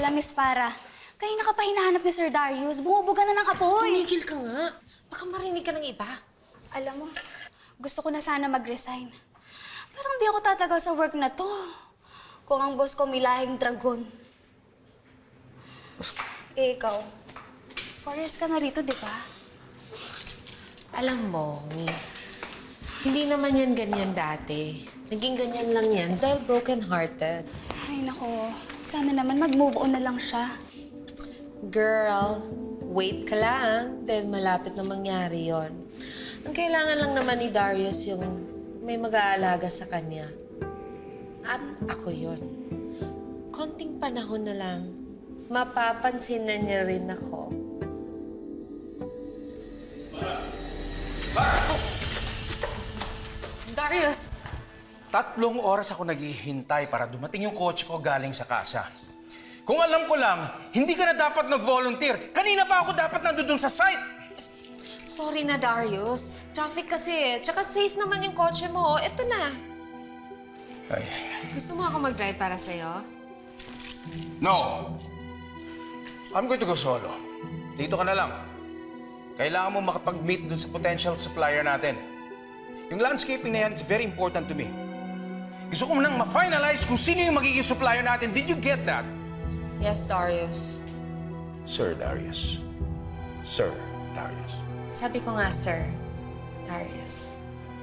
pala, Miss Farah. Kanina ka pa hinahanap ni Sir Darius. Bumubuga na ng kapoy. Tumigil ka nga. Baka marinig ka ng iba. Alam mo, gusto ko na sana mag-resign. Pero hindi ako tatagal sa work na to. Kung ang boss ko may lahing dragon. Eh, ikaw, 4 years ka na rito, di ba? Alam mo, Mi, hindi naman yan ganyan dati. Naging ganyan lang yan dahil broken-hearted. Ay, nako. Sana naman mag-move on na lang siya. Girl, wait ka lang dahil malapit na mangyari yon. Ang kailangan lang naman ni Darius yung may mag-aalaga sa kanya. At ako yon. Konting panahon na lang, mapapansin na niya rin ako. Oh. Darius! 3 oras ako naghihintay para dumating yung kotse ko galing sa kasa. Kung alam ko lang, hindi ka na dapat nag-volunteer. Kanina pa ako dapat nandun sa site. Sorry na, Darius. Traffic kasi. Tsaka safe naman yung kotse mo. Ito na. Ay, Gusto mo ako mag-drive para sa'yo? no. I'm going to go solo. Dito ka na lang. Kailangan mo makapag-meet dun sa potential supplier natin. Yung landscaping na yan, it's very important to me. Gusto ko nang ma-finalize kung sino yung magiging supplier natin. Did you get that? Yes, Darius. Sir Darius. Sir Darius. Sabi ko nga, sir. Darius.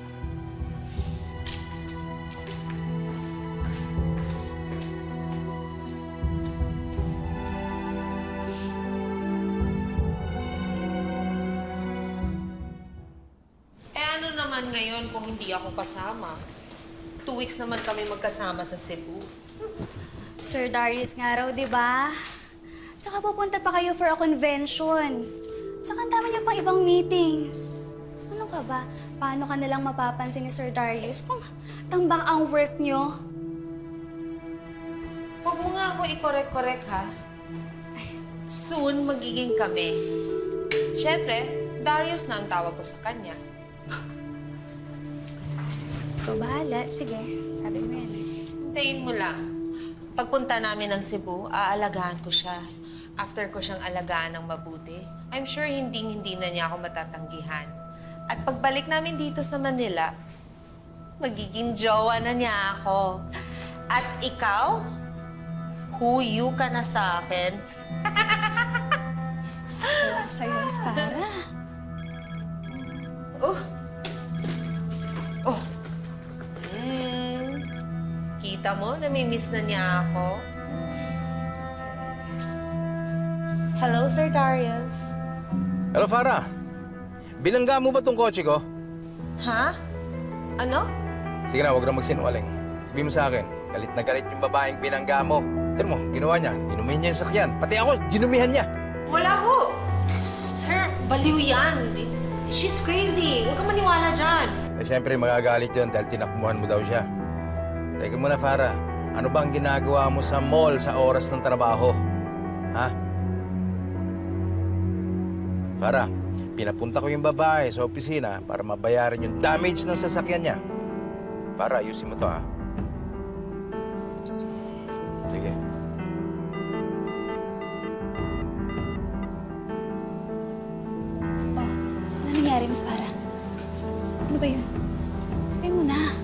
Ano naman ngayon kung hindi ako kasama? 2 weeks naman kami magkasama sa Cebu. Sir Darius nga raw, di ba? Tsaka pupunta pa kayo for a convention. Tsaka ang dami niyo pang ibang meetings. Ano ka ba? Paano ka nalang mapapansin ni Sir Darius kung tambang ang work niyo? Huwag mo nga ako i-correct-correct, ha? Soon, magiging kami. Siyempre, Darius na ang tawag ko sa kanya. Ikaw bahala. Sige, sabi mo yan eh. Hintayin mo lang. Pagpunta namin ng Cebu, aalagaan ko siya. After ko siyang alagaan ng mabuti, I'm sure hindi na niya ako matatanggihan. At pagbalik namin dito sa Manila, magiging jowa na niya ako. At ikaw, huyu ka na sa akin. Oh, sa'yo, Miss Farah. Oh. Oh. Kita mo, namimiss na niya ako. Hello, Sir Darius. Hello, Farah. Binangga mo ba tong kotse ko? Ha? Ano? Sige na, huwag na magsinungaling. Sabihin mo sa akin, galit na galit yung babaeng binangga mo. Tignan mo, ginawa niya. Dinumihan niya yung sakyan. Pati ako, dinumihan niya. Wala ho. Sir, baliw yan. She's crazy. Huwag ka maniwala dyan. Eh, siyempre, magagalit yun dahil tinakmuhan mo daw siya. Teka muna, Farah. Ano ba ang ginagawa mo sa mall sa oras ng trabaho? Ha? Farah, pinapunta ko yung babae sa opisina para mabayaran yung damage ng sasakyan niya. Farah, ayusin mo to, ha? Sige. Oh, ano nangyari, Miss Farah? Ano ba yun? Sabihin mo na.